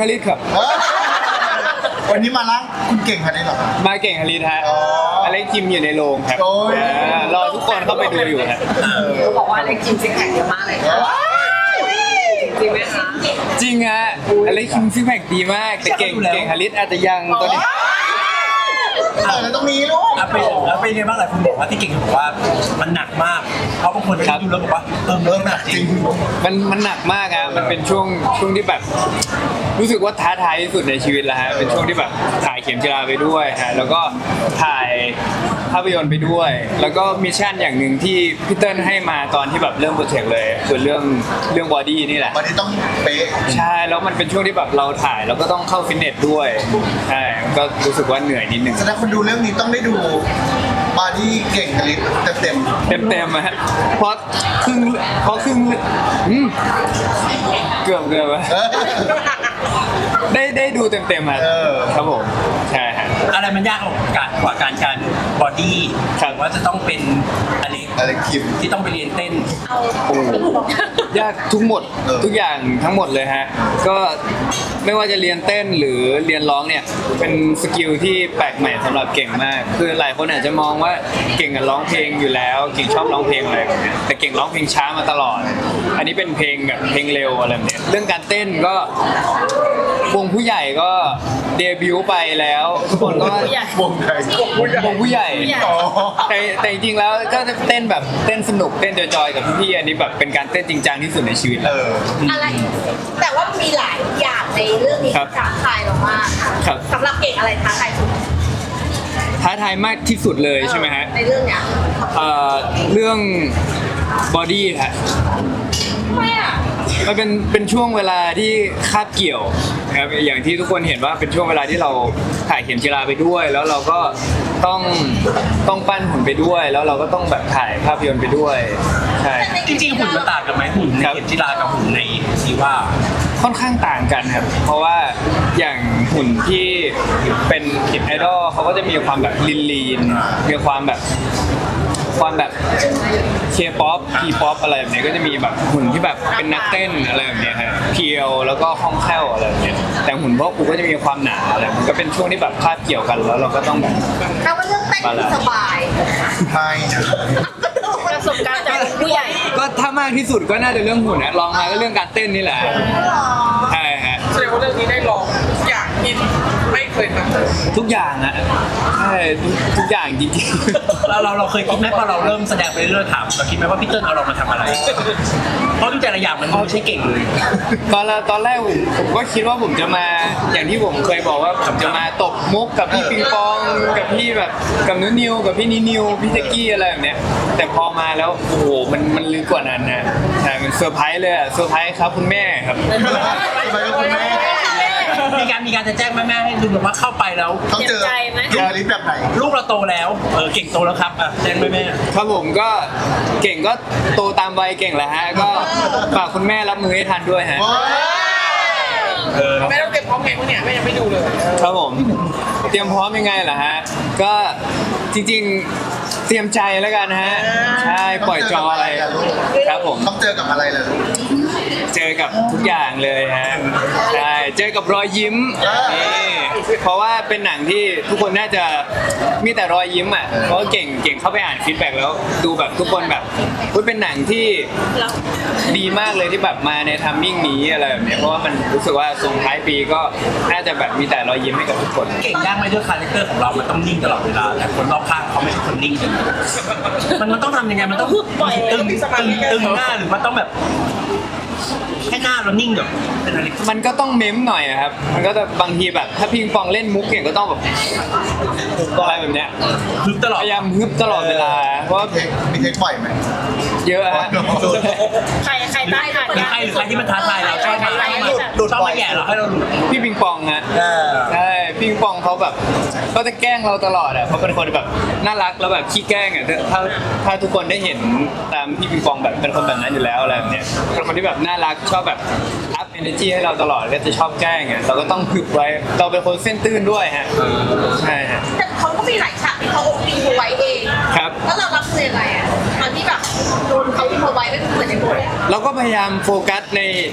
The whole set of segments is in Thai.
ลิตครับวันนี้มาล้างคุณเก่งขนาดนี้เหรอมาเก่งฮาริสฮะอเล็กจิมอยู่ในโรงครับโอ้ยรอทุกคนเข้าไปดูอยู่ฮะเขาบอกว่าเล็กจิมซิกแพคเยอะมากเลยค่ะจริงไหมคะจริงฮะอเล็กจิมซิกแพคดีมากแต่เก่งฮาริสอาจจะยังตัวนี้แล้วตรงนี้ลูกแล้วเป็นไงบ้างหลายคนบอกว่าที่เก่งบอกว่ามันหนักมากเพราะบางคนดูแล้วบอกว่าเริ่มหนักจริงมันหนักมากฮะมันเป็นช่วงที่แบบรู้สึกว่าท้าทายที่สุดในชีวิตแล้วฮะเป็นช่วงที่แบบถ่ายเข็มจีราไปด้วยฮะแล้วก็ถ่ายภาพยนตร์ไปด้วย แล้วก็มิชชั่นอย่างหนึ่งที่พี่เติ้ลให้มาตอนที่แบบเริ่มโปรเจกต์เลยคือเรื่องบอดี้นี่แหละวันนี้ต้องเป๊ะใช่แล้วมันเป็นช่วงที่แบบเราถ่ายแล้วก็ต้องเข้าฟิตเนสด้วยใช่ก็รู้สึกว่าเหนื่อยนิดนึงแสดงคนดูเรื่องนี้ต้องได้ดูบาร์ดี้เก่งขนาดนี้เต็มเต็มอะฮะเพราะครึ่งเกือบอะๆได้ดูเต็มอะครับผมใช่ฮะอะไรมันยากกว่าการบอดี้ครับว่าจะต้องเป็นอะไรคิมที่ต้องไปเรียนเต้นยากทุกอย่างทั้งหมดเลยฮะก็ไม่ว่าจะเรียนเต้นหรือเรียนร้องเนี่ยเป็นสกิลที่แปลกใหม่สำหรับเก่งมากคือหลายคนอาจจะมองว่าเก่งร้องเพลงอยู่แล้วเก่งชอบร้องเพลงอะไรแบบเนี้ยแต่เก่งร้องเพลงช้ามาตลอด อันนี้เป็นเพลงแบบเพลงเร็วอะไรแบบเนี้ยเรื่องการเต้นก็วงผู้ใหญ่ก็เดบิวต์ไปแล้วทุกคนก็วงไทยวงผู้ใหญ่อ๋อแต่จริงๆแล้วก็จะเต้นแบบเต้นสนุกเต้นจอยๆกับพี่ๆอันนี้แบบเป็นการเต้นจริงจังที่สุดในชีวิตแล้วอะไร แต่ว่ามีหลายอย่างในเรื่องนี้ครับท้าทายเรามากครับสำหรับเก่งอะไรท้าทายสุดท้าทายมากที่สุดเลยใช่ไหมฮะในเรื่องเนี้ยเรื่องบอดี้ฮะทำไมอ่ะมันเป็นช่วงเวลาที่คาบเกี่ยวนะครับอย่างที่ทุกคนเห็นว่าเป็นช่วงเวลาที่เราถ่ายเข็มจีราไปด้วย แล้วเราก็ต้องปั้นหุ่นไปด้วย แล้วเราก็ต้องแบบถ่ายภาพยนตร์ไปด้วยใช่จริงๆหุ่นมันต่างกันไหมหุ่นในเข็มจีรากับหุ่นในซีว่าค่อนข้างต่างกันครับเพราะว่าอย่างหุ่นที่เป็นไอดอลเขาก็จะมีความแบบลีนมีความแบบเคป๊อปพีป๊อปอะไรแบบนี้ก็จะมีแบบหุ่นที่แบบเป็นนักเต้นอะไรแบบนี้ครับเพียวแล้วก็คล่องแคล่วอะไรแบบนี้แต่หุ่นพวกกูก็จะมีความหนาอะไรมันก็เป็นช่วงที่แบบคาบเกี่ยวกันแล้วเราก็ต้องแบบแต่ว่าเรื่องเต้นคือสบายใช่นะประสบการณ์จากผู้ใหญ่ก็ถ้ามากที่สุดก็น่าจะเรื่องหุ่นนะลองมาก็เรื่องการเต้นนี่แหละใช่ฮะแสดงว่าเรื่องนี้ได้ลองทุกอย่างที่ไม่เคยทำทุกอย่างอะใช่ทุกอย่างจริงๆเราเคยคิดไหมพอเราเริ่มแสดงไปเรื่อยๆถามเราคิดไหมว่าพี่เติ้ลเอาเรามาทำอะไร เพราะทุกแต่ละอย่างมันไม่ใช่เก่งเลยตอนแรกผมก็คิดว่าผมจะมาอย่างที่ผมเคยบอกว่าผมจะมาตบมุกกับพี่ปิงปองกับพี่แบบกับนุนิวกับพี่นิวพี่เทกกี้อะไรแบบเนี้ยแต่พอมาแล้วโอ้โหมันลึกกว่านั้นนะใช่มันเซอร์ไพรส์เลยอะเซอร์ไพรส์ครับคุณแม่ครับไปกับคุณแม่มีการจะแจ้งแม่ๆให้ดูแบบว่าเข้าไปแล้วต้องเจอลูกอลิสแบบไหนลูกเราโตแล้วเก่งโตแล้วครับแจ้งแม่ครับผมก็เก่งก็โตตามวัยเก่งแหละฮะก็ฝากคุณแม่รับมือให้ทันด้วยฮะแม่ต้องเตรียมพร้อมไงพวกเนี่ยแม่ยังไม่ดูเลยครับผมเตรียมพร้อมยังไงล่ะฮะก็จริงๆเตรียมใจแล้วกันฮะใช่ปล่อยจอยครับผมต้องเจอกับอะไรเลยลูกเจอกับทุกอย่างเลยฮะใช่เจอกับรอยยิ้มนี่เพราะว่าเป็นหนังที่ทุกคนน่าจะมีแต่รอยยิ้มอ่ะเพราะว่าเก่งเข้าไปอ่านฟีดแบ็กแล้วดูแบบทุกคนแบบเป็นหนังที่ดีมากเลยที่แบบมาในทัมมิ่งนี้อะไรแบบเนี้ยเพราะว่ามันรู้สึกว่าส่งท้ายปีก็น่าจะแบบมีแต่รอยยิ้มให้กับทุกคนๆเก่งยากไหมด้วยคาแรคเตอร์ของเรามันต้องนิ่งตลอดเวลาแต่คนรอบข้างเขาไม่ใช่คนนิ่งกันมันต้องทำยังไงมันต้องตึงหน้าหรือมันต้องแบบแค่หน้าเรานิ่งแบบเป็นอะไรมันก็ต้องเม้มหน่อยอะครับมันก็จะบางทีแบบถ้าพิงปองเล่นมุกเก่งก็ต้องแบบอะไรแบบเนี้ยฮึบตลอดพยายามฮึบตลอดเวลาเพราะว่ามีเทคบ่อยไหมเยอะฮะใครได้ผ่านหรือใครที่มันท้าทายเราชอบมาแย่เราให้เราหลุดพี่ปิงปองนะใช่พี่ปิงปองเขาแบบเขาจะแกล้งเราตลอดอ่ะเขาเป็นคนแบบน่ารักแล้วแบบขี้แกล้งอ่ะถ้าทุกคนได้เห็นตามพี่ปิงปองแบบเป็นคนแบบนั้นอยู่แล้วอะไรแบบเนี้ยเป็นคนที่แบบน่ารักชอบแบบอัพเอเนอร์จีให้เราตลอดก็จะชอบแกล้งอ่ะเราก็ต้องพึบไว้เราเป็นคนเส้นตื้นด้วยฮะใช่ฮะแต่เขาก็มีหลายฉากที่เขาอินไว้เองครับแล้วเรารับมือยังไงอ่ะตอนที่แบบโดนเขาอินไว้ไม่เหมือนในบทเราก็พยายามโฟกัสใน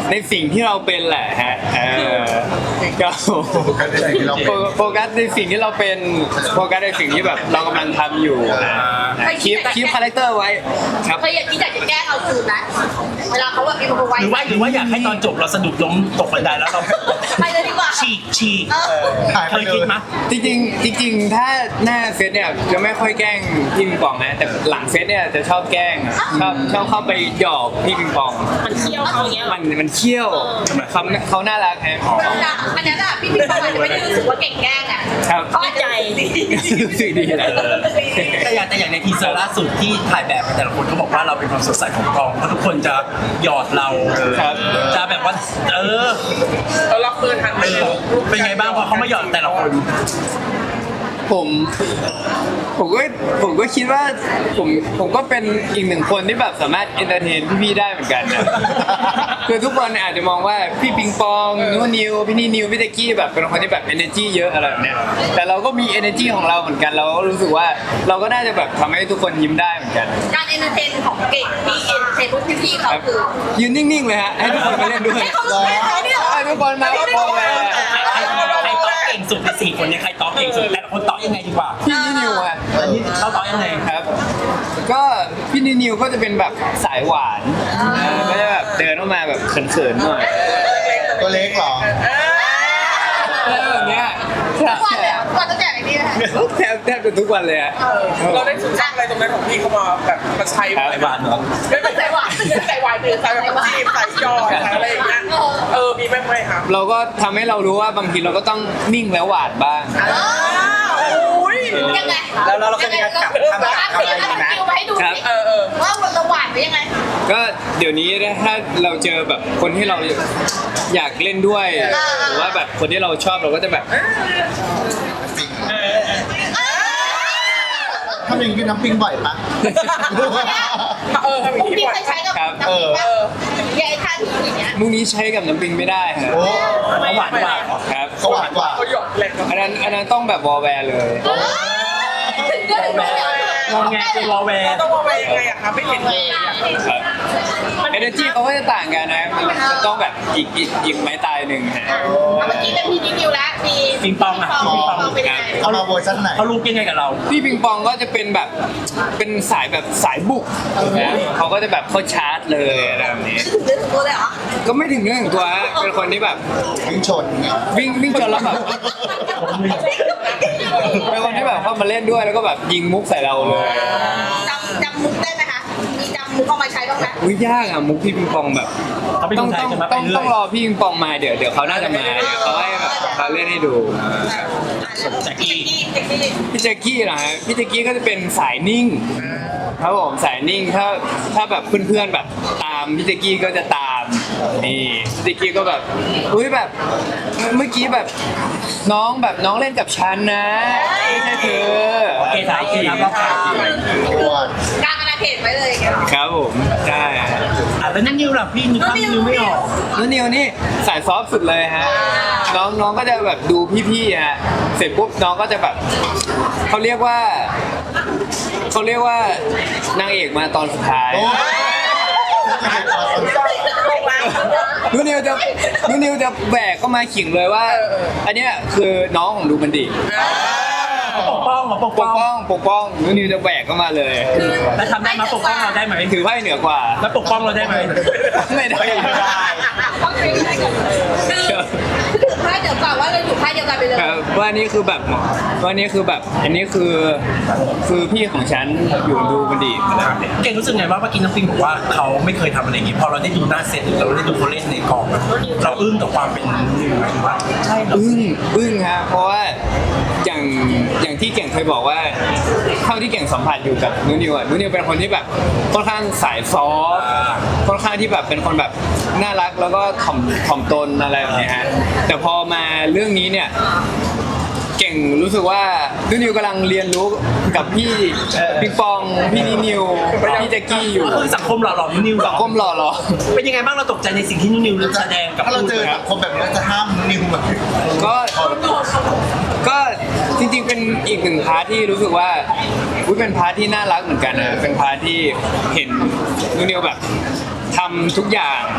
ในสิ่งที่เราเป็นแหละฮะก็โฟกัสในสิ่งที่เราเป็นโฟกัสในสิ่งที่เราเป็นโฟกัสในสิ่งที่แบบเรากำลังทำอยู่คีปคาแรคเตอร์ไว้ครับเคยอยากที่อยากจะแกล้งเอาคืนไหมเวลาเขาแบบมีคนไว้หรือว่าอยากให้ตอนจบเราสะดุดล้มตกบันไดแล้วเราไปเลยดีกว่าฉีกหายเคไปยเลคิดยไหมจริงถ้าหน้าเฟซเนี่ยจะไม่ค่อยแกล้งพี่ปิงปองนะแต่หลังเฟซเนี่ยจะชอบแกล้งชอบเข้าไปหยอกพี่ปิงปองมันเคี่ยวเขาอย่างเงี้ยเหรอมันเขี้ยวเขาน่ารักฮะอันนั้นอะพี่ประมาณจะไม่ได้รู้สึกว่าเก่งแกล้งอะครับเขาอาจจะดีรู้สึกดีแหละแต่อย่างในทีเซอร์ล่าสุดที่ถ่ายแบบแต่ละคนเขาบอกว่าเราเป็นความสดใสของกองเพราะทุกคนจะหยอดเราครับจะแบบว่าเรารับมือทันไหมเป็นไงบ้างพอเขามาหยอดแต่ละคนผมก็คิดว่าผมก็เป็นอีกหนึ่งคนที่แบบสามารถเอนเตอร์เทนพี่ๆได้เหมือนกันนะคือทุกคนอาจจะมองว่าพี่ปิงปองนูนิวพี่นี่นิวพี่เตกกี้แบบเป็นคนที่แบบ energy เยอะอะไรแบบเนี้ยแต่เราก็มี energy ของเราเหมือนกันเราก็รู้สึกว่าเราก็น่าจะแบบทำให้ทุกคนยิ้มได้เหมือนกันการเอนเตอร์เทนของเก่งที่เอนเตอร์เทนพวกพี่ๆเขาครับคือยืนนิ่งๆเลยฮะให้ทุกคนมาเล่นด้วยให้เขารู้ให้เขาเนี่ยให้ทุกคนมาพอแล้ใครต๊อกเก่งสุดในสี่คนเนี่ยใครต๊อกเก่งสุดแต่ละคนต๊อกยังไงดีกว่าพี่นี่นิวอะอันนี้เขาต๊อกยังไงครับ ก็พี่นี่นิวก็จะเป็นแบบสายหวานก็จะแบบเดินออกมาแบบเขินๆหน่อยตัวเล็กเหรออะไรแบบเนี้ยทุกวันเลยวันตั้งแต่ไอ้นี่นะคะแทบจะทุกวันเลยอะเราได้ศึกษาอะไรตรงนั้นของพี่เขามาแบบมาใช้ครับไอ้บ้านเหรอไม่เป็นใส่หวานใส่หวานหรือใส่แบบจีบใส่ยอดใส่อะไรอย่างเงี้ยมีไหมครับเราก็ทำให้เรารู้ว่าบางทีเราก็ต้องนิ่งแล้วหวานบ้างยังไงแล้วเราจะมีการกลับทำอะไรมาให้ดูครับสิว่าเราหวานไปยังไงก็เดี๋ยวนี้ถ้าเราเจอแบบคนที่เราอยากเล่นด้วยหรือว่าแบบคนที่เราชอบเราก็จะแบบทำอย่างนี้กับน้ำปิงบ่อยปะทำอย่างนี้พี่บ่อยเคยใช้กับน้ำพริกป่ะยายท่าทีอย่างเงี้ยมุกนี้ใช้กับน้ำปิงไม่ได้ครับโอ้เขาหวานกว่าครับเขาหวานกว่าเขาหยอกแรงอันนั้นต้องแบบวอลแวร์เลยถึงเรื่องเลยงงไงคือวอลแวร์ต้องว่าไปยังไงอะครับไม่เห็นเลยครับเอเนจีเขาก็จะต่างกันนะมันต้องแบบอีกไม้ตายหนึ่งฮะเมื่อกี้เป็นพี่นิวแล้วมีปิงปองอะปิงปองเป็นยังไงเขามาเวอร์ชันไหนเขารู้ยังไงกับเราพี่ปิงปองก็จะเป็นแบบเป็นสายแบบสายบุกนะเขาก็จะแบบเข้าชาร์จเลยอะไรแบบนี้ถึงเรื่องตัวเลยเหรอก็ไม่ถึงเรื่องของตัวฮะเป็นคนที่แบบวิ่งชนไงวิ่งจนแล้วแบบเป็นคนที่แบบเข้ามาเล่นด้วยแล้วก็แบบยิงมุกใส่เราเลยจำมุกได้ไหมคะมีจำมุกเอามาใช้บ้างไหมอุ้ยยากอะมุกพี่ปิงปองแบบเขาเป็นต้คองนไทยต้องจะมาไปต้องเรื่ต้ออย งรอพี่ปิงปองมาเดี๋ยวเขาน่าจะมาเดี๋ยวเขาให้แบบเขาเล่นให้ดูแจ็คกี้พี่แจ็คกี้นะฮะพี่แจ็คกี้ก็จะเป็นสายนิ่งครับผมสายนิ่งถ้าแบบเพื่อนๆแบบตามพี่แจ็คกี้ก็จะตามนี่พี่แจ็คกี้ก็แบบอุ้ยแบบเมื่อกี้แบบน้องเล่นกับฉันนะไม่ใช่เธอโอเคถ่ายทีครับเราถ่ายทีตัวการอนาเขตไว้เลยอย่างเงี้ยครับผมใช่แล้วนั่นนิวล่ะพี่นึกภาพนิวไม่ออกแล้วนิวนี่สายซอฟต์สุดเลยฮะน้องก็จะแบบดูพี่ๆฮะเสร็จปุ๊บน้องก็จะแบบเขาเรียกว่านางเอกมาตอนสุดท้ายโอ้ยนูนิวจะแบกเข้ามาขิงเลยว่า อันเนี้ยคือน้องของดูมันดีปกป้องเหรอปกปป้กองป้องนูนิวจะแบกเข้ามาเลยแล้วทำได้ไหมปกป้องเราได้ไหมถือไพ่เหนือกว่าแล้วปกป้องเราได้ไหมไม่ได้ต้องใช้ได้กันคือถือไพ่เดี๋ยวก่อนว่าเราอยู่ไพ่เดียวกันไปเลยครับว่านี่คือแบบว่านี่คือแบบอันนี้คือพี่ของฉันอยู่ดูมันดีเก่งรู้สึกไงว่าเมื่อกี้น้ำปิงบอกว่าเขาไม่เคยทำอะไรอย่างนี้พอเราได้ดูหน้าเซตหรือเราได้ดูเขาเล่นในกองอะเราอึ้งกับความเป็นนิวไหมหรือว่าใช่เหรออึ้งฮะเพราะว่าอย่างที่เก่งเคยบอกว่าเท่าที่เก่งสัมผัสอยู่กับนูนิวเป็นคนที่แบบค่อนข้างสายซอฟต์ค่อนข้างที่แบบเป็นคนแบบน่ารักแล้วก็ถ่อมตนอะไรแบบนี้ฮะแต่พอมาเรื่องนี้เนี่ยเก่งรู้สึกว่านูนิวกำลังเรียนรู้กับพี่ปิงปองพี่นิวพี่แจ็คกี้อยู่ก็คือสังคมหล่อหลอมนิวเหรสัองคมหล่อหรอเป็นยังไงบ้างเราตกใจในสิ่งที่นิวแสดงกับถ้าเราเจอสังคมแบบนี้เราจะห้ามนิวแบบก็จริงๆเป็นอีกหนึ่งพาร์ทที่รู้สึกว่าอุ๊ยเป็นพาร์ทที่น่ารักเหมือนกันนะเป็นพาร์ทที่เห็นนูนิวแบบทำทุกอย่างกล้าท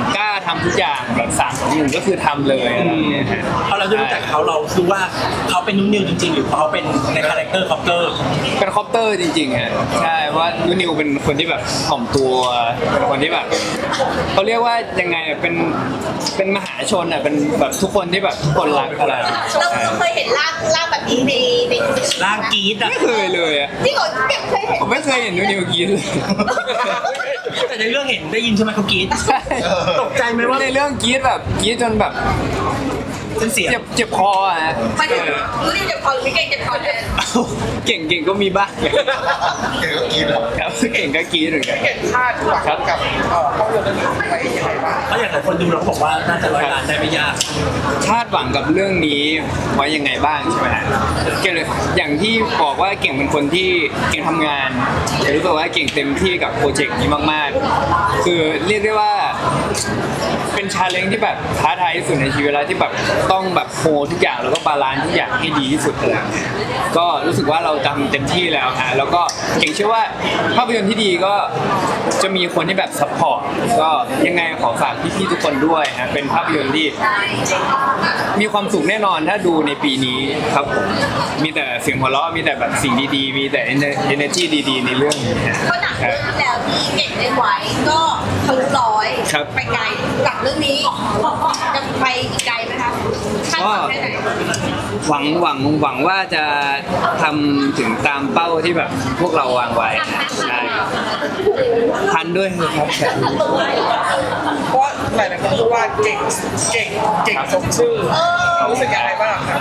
ทำทุกอย่างแบบ3-1ก็คือทำเลยอะไรอย่างเงี้ยฮะพอเราได้รู้จักเขาเราคือว่าเขาเป็นนุ่นนิวจริงๆ หรือเขาเป็นในคาแรคเตอร์คอปเตอร์เป็นคอปเตอร์จริงๆฮะใช่ว่านูนิวเป็นคนที่แบบถ่อมตัวเป็นคนที่แบบเขาเรียกว่ายังไงอะเป็นมหาชนอ่ะเป็นแบบทุกคนที่แบบทุกคนรักอะไรเราเคยเห็นร่างแบบนี้ในร่างกรีดอะไม่เคยเลยอ่ะที่เขาเก็บเคยเห็นผมไม่เคยเห็นนูนิวกินเลยแต่ในเรื่องเห็นได้ยินใช่ไหมเขากรีดใช่ตกใจไหมว่าในเรื่องกรีดแบบกรีดจนแบบเป็นเสียงเจ็บคออ่ะฮะมันรู้ดิจะพอหรือไม่เก่งจะพอแทนเก่งก็มีบ้างเก่งก็กินแล้วครับเก่งก็กรีดเหมือนกันเห็นคาดหวังกับภาพยนตร์เรื่องนี้ไปยังไงบ้างเพราะอย่างหลายคนดูเราก็บอกว่าน่าจะร้อยล้านได้ไม่ยากคาดหวังกับเรื่องนี้ไว้ยังไงบ้างใช่ไหมฮะเก่งเลยอย่างที่บอกว่าเก่งเป็นคนที่เก่งทำงานแต่รู้สึกว่าเก่งเต็มที่กับโปรเจกต์นี้มากๆ คือเรียกได้ว่าเป็นชาเลนจ์ที่แบบท้าทายที่สุดในชีวิตแล้วที่แบบต้องแบบโฮทุกอย่างแล้วก็บาลานซ์ทุกอย่างให้ดีที่สุดเลยก็รู้สึกว่าเราทำเต็มที่แล้วฮะแล้วก็เก่งเชื่อว่าภาพยนตร์ที่ดีก็จะมีคนที่แบบซัพพอร์ตก็ยังไงขอฝากพี่ๆทุกคนด้วยฮะเป็นภาพยนตร์ที่มีความสุขแน่นอนถ้าดูในปีนี้ครับผมมีแต่เสียงหัวเราะมีแต่แบบสิ่งดีๆมีแต่ energy ดีๆในเรื่องนี้ฮะเพราะหนังเรื่องที่แล้วที่เก่งได้ไว้ก็ทะลุร้อยครับไปไกลจากเรื่องนี้จะไปอีกไกลไหมคะคาดหวังแค่ไหนหวังว่าจะทำถึงตามเป้าที่แบบพวกเราวางไว้ใช่ครับทันด้วยครับเพราะหลายๆคนพูดว่าเก่งสมชื่อรู้สึกยังไงบ้างครับ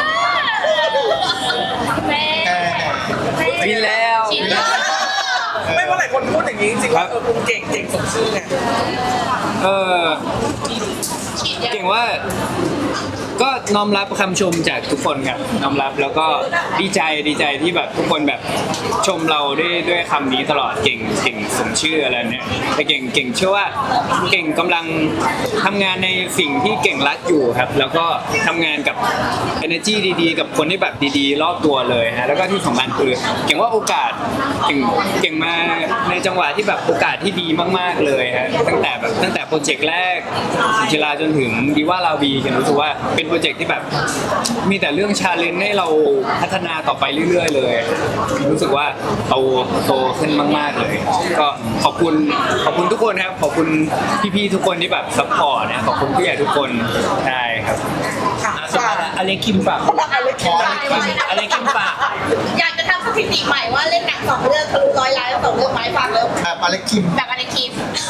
แม่มีแล้วไม่ว่าหลายคนพูดอย่างนี้จริงๆว่าคุณเก่งสมชื่อไงเออเก่งว่าก็น้อมรับคำชมจากทุกคนครับน้อมรับแล้วก็ดีใจที่แบบทุกคนแบบชมเราด้วยคำนี้ตลอดเก่งสมชื่ออะไรเนี่ยแต่เก่งเชื่อว่าเก่งกำลังทำงานในสิ่งที่เก่งรักอยู่ครับแล้วก็ทำงานกับ energy ดีๆกับคนที่แบบดีๆรอบตัวเลยฮะแล้วก็ที่สำคัญคือเก่งว่าโอกาสเก่งมาในจังหวะที่แบบโอกาสที่ดีมากๆเลยฮะตั้งแต่โปรเจกต์แรกศิลาจนถึงดีว่าลาวีเก่งรู้สึกว่าเป็นโปรเจกต์ที่แบบมีแต่เรื่องชาเลนจ์ให้เราพัฒนาต่อไปเรื่อยๆเลยรู้สึกว่าโตขึ้นมากๆเลยก็ขอบคุณทุกคนครับขอบคุณพี่ๆทุกคนที่แบบซัพพอร์ตนะขอบคุณผู้ใหญ่ทุกคนใช่ครับสุดท้ายแล้วอเล็กคิมฝากอะไรคิดว่าอะไรคิมฝากอยากจะทำสถิติใหม่ว่าเล่นหนัง2 เรื่องทะลุร้อยล้านแล้ว2 เรื่องไม้ฟังแล้วแบบอเล็กคิมแบบอะไรคิม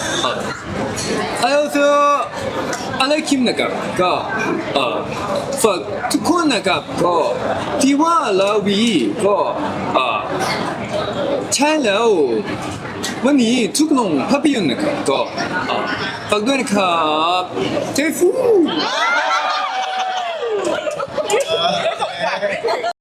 안녕하세요. 알레킴นะครับก็ฝากทุกคนนะครับก็ที่ว่าลาวีก็ใช่แล้ววันนี้ทุกโรงภาพยนตร์นะครับก็ฝากด้วยนะครับเทฟู